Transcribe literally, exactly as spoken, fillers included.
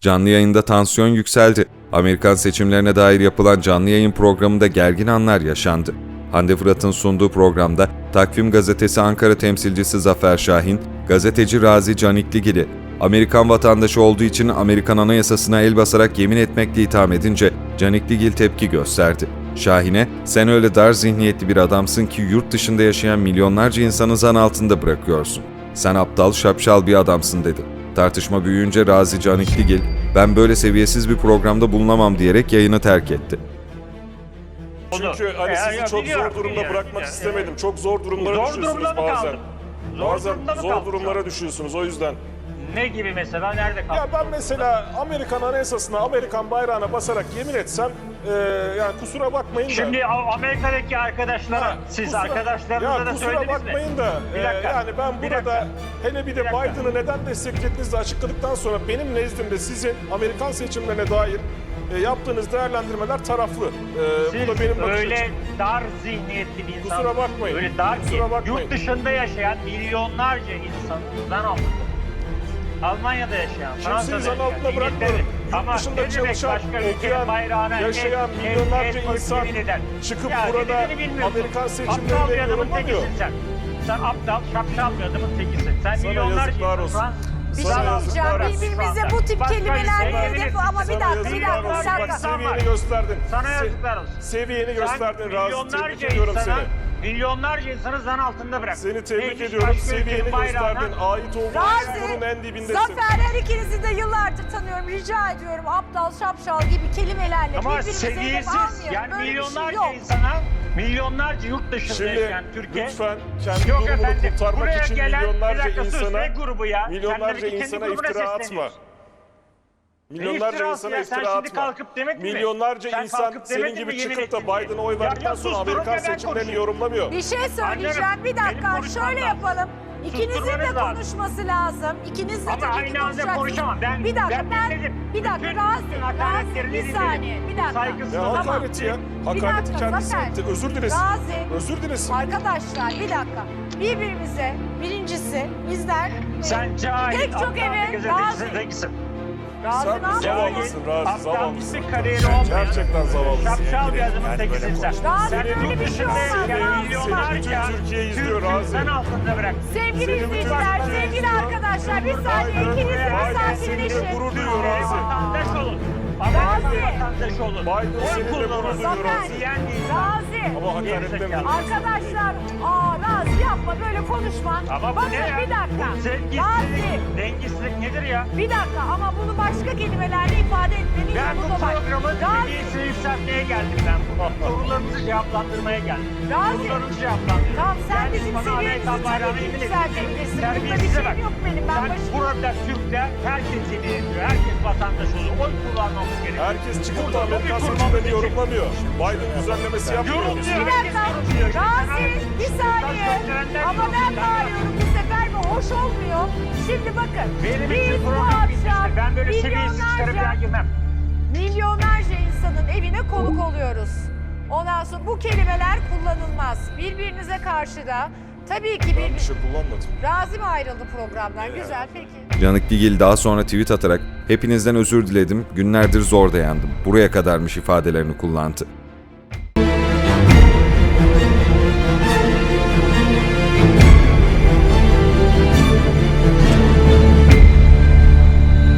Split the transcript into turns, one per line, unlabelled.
Canlı yayında tansiyon yükseldi. Amerikan seçimlerine dair yapılan canlı yayın programında gergin anlar yaşandı. Hande Fırat'ın sunduğu programda Takvim Gazetesi Ankara temsilcisi Zafer Şahin, gazeteci Razi Canikligil'i Amerikan vatandaşı olduğu için Amerikan Anayasasına el basarak yemin etmekle itham edince Canikligil tepki gösterdi. Şahin'e "Sen öyle dar zihniyetli bir adamsın ki yurt dışında yaşayan milyonlarca insanı zan altında bırakıyorsun. Sen aptal, şapşal bir adamsın" dedi. Tartışma büyüyünce Razi Canikligil, "Ben böyle seviyesiz bir programda bulunamam" diyerek yayını terk etti.
Çünkü hani sizi
Ya,
çok
biliyorum,
zor durumda
biliyorum.
bırakmak
Ya,
istemedim.
ya.
Çok zor durumlara
Zor
düşüyorsunuz
durumda mı
bazen.
kaldın? Zor
Bazen
durumda mı
zor
kaldın
durumlara
sen?
düşüyorsunuz o yüzden.
Ne gibi mesela? Nerede kaldın?
Ya ben mesela Amerikan Anayasasına, Amerikan bayrağına basarak yemin etsem e, yani kusura bakmayın da.
Şimdi A- Amerika'daki arkadaşlara,
Ha,
siz
kusura-
arkadaşlarınıza
ya
da
kusura
söylediniz mi?
bakmayın da
Bir
e,
dakika,
yani ben
bir
burada
dakika.
hele bir de
Bir dakika.
Biden'ı neden desteklediğinizi açıkladıktan sonra benim nezdimde sizin Amerikan seçimlerine dair e, yaptığınız değerlendirmeler taraflı. E,
Siz
bu da benim bakış
öyle
açım.
dar zihniyetli bir insan.
Kusura bakmayın.
Öyle dar ki
Kusura bakmayın.
yurt dışında yaşayan milyonlarca insanın zan altında. Almanya'da yaşayan, Fransa'da
Kimseyi zan
yaşayan,
altında bırakmıyorum.
İngiltere'de.
Yurt
Ama
dışında
ne demek
çalışan,
başka ülkenin
okuyan,
bayrağına
yaşayan
el- el-
milyonlarca
el koyup
insan
yemin eden.
çıkıp
Ya
burada
dediğini bilmiyorsun.
Amerikan
Aptal
seçimlerini
bir adamın
yorumlamıyor.
tekisin sen. Sen aptal, şapşal bir adamın tekisin. Sen
Sana
milyonlarca
yazıklar
insan
olsun.
Fransız-
Bir
Sana
şey
yazıklar
diyeceğim.
olsun.
Birbirimize bu tip
Başka
kelimeler
ülkeye
hedef
yemin
ama bir
Sana
dakika, bir
yazıklar
dakika,
olsun.
bir
Bak
dakika.
seviyeni gösterdin.
Sana
Se-
yazıklar olsun.
Seviyeni gösterdin
Sen
Razi. Tebrik
milyonlarca
ediyorum
insana,
seni.
milyonlarca insanı zan altında bırak.
Seni tebrik
Neymiş
ediyorum.
başka
Seviyeni
ülkenin bayrağına?
gösterdin. Ait olduğun çukurun en
Razi,
dibindesin.
Zafer, her ikinizi de yıllardır tanıyorum. Rica ediyorum aptal, şapşal gibi kelimelerle
Ama
birbirimize hedef
seviyesiz,
almayalım.
yani
Böyle bir şey
milyonlarca
yok.
insana, milyonlarca yurt dışında
Şimdi
yaşayan Türkiye.
lütfen kendi
Yok
durumunu
efendim,
kurtarmak
buraya
için
gelen, bir
milyonlarca
dakika sus,
insana
ne grubu ya?
milyonlarca
Sen de kendi
insana
grubuna
iftira atma.
sesleniyorsun.
Milyonlarca
iftirası
insana
ya? Sen
iftira
şimdi
atma.
kalkıp demedin mi?
Milyonlarca
Sen
insan
kalkıp
senin
demedin
gibi
mi, yemin
çıkıp da
ettin diye?
Biden'a oy
Ya-
verdikten
ya
sonra
susturun
Amerikan
ve ben
seçimlerini
konuşayım.
yorumlamıyor.
Bir şey söyleyeceğim.
Canım,
Bir
benim
dakika,
konuşmam
şöyle
lazım.
yapalım. İkinizin de
Susturmanız lazım.
konuşması lazım. İkiniz de
Ama
tabii ki
aynı anda
konuşacaksınız.
konuşamam. Ben-
bir dakika,
ben
ben,
dinledim.
bir dakika,
Bütün-
Razi,
bütün
Razi,
hakaretlerini
bir
dinledim.
saniye, bir dakika.
Saygısız
Ya
Tamam.
hakareti ya.
Bir
Hakareti
dakika,
kendisi
Zafer.
etti. Özür dilesin.
Razi,
Özür dilesin.
arkadaşlar bir dakika. Birbirimize, birincisi bizler e,
Sen cahil,
pek çok
aptal bir
eve
gazetecisin,
Razi,
tekisin.
Razi
Sen
ne yapıyorsun?
zavallısın Razi,
Aptal
zavallısın.
bir kariyeri olmayan.
Gerçekten zavallısın.
Şapşal bir adamın tekisin sen.
Razi
Sen
böyle
yurt
bir şey
dışında
olmaz.
yaşayan
Razi.
milyonlarca
Seni bütün Türkiye izliyor,
Türk'ü
Razi.
zan altında bırak.
Sevgili
Seni bütün
izleyiciler,
Türkiye
sevgili
izliyor.
arkadaşlar bir saniye
Biden-
ikiniz de bir
Biden seninle
sakinleşin.
gurur duyuyor
Amerika
Razi.
vatandaş olun.
Razi.
Amerika vatandaş olun.
Biden
Oy
seninle gurur
kullanın.
duyuyor
Zafer,
Razi.
Diyen değil.
Razi.
Ama hakaretten
Gerizekalı.
Arkadaşlar, aa Razi yapma böyle konuşma.
Ama bu
Bakın
ne ya?
bir dakika.
Bu sevgisizlik,
Razi,
dengesizlik nedir ya?
bir dakika ama bunu başka kelimelerle ifade etmenin
Ben
yolu
bu
da var.
programın
Razi,
seviyesini yükseltmeye geldim ben. Bu sorularınızı cevaplandırmaya geldim.
Razi.
Sorularınızı cevaplandırıyorum.
Tamam, sen
Ben
bizim
bana
seviyemizi
Amerikan bayrağını
tabii ki
yemin ettim.
yükseltebilirsin. Bunda bir
Terbiyesize
şeyim
bak.
yok benim. Ben
Sen
başım-
burada Türkler herkes yemin ediyor. Herkes vatandaş oluyor. Oy kullanmamız gerekiyor.
Herkes çıkıp da
Burada
Amerikan
lobi kurmamız
seçimlerini
için.
yorumlamıyor. Biden düzenlemesi yapmıyor.
Yorumluyor.
Bir dakika. Razi, bir saniye. Ama ben bağırıyorum bu sefer ve hoş olmuyor. Şimdi bakın.
Benim
biz
için
bu
program bitmiştir.
akşam
Ben böyle seviyesiz işlere bir daha
milyonlarca,
girmem.
milyonlarca insanın evine konuk oluyoruz. Ondan sonra bu kelimeler kullanılmaz. Birbirinize karşı da tabii ki
Ben
bir...
bir şey kullanmadım.
Razi mi ayrıldı programdan? Güzel, peki.
Canikligil daha sonra tweet atarak "Hepinizden özür diledim, günlerdir zor dayandım, buraya kadarmış" ifadelerini kullandı.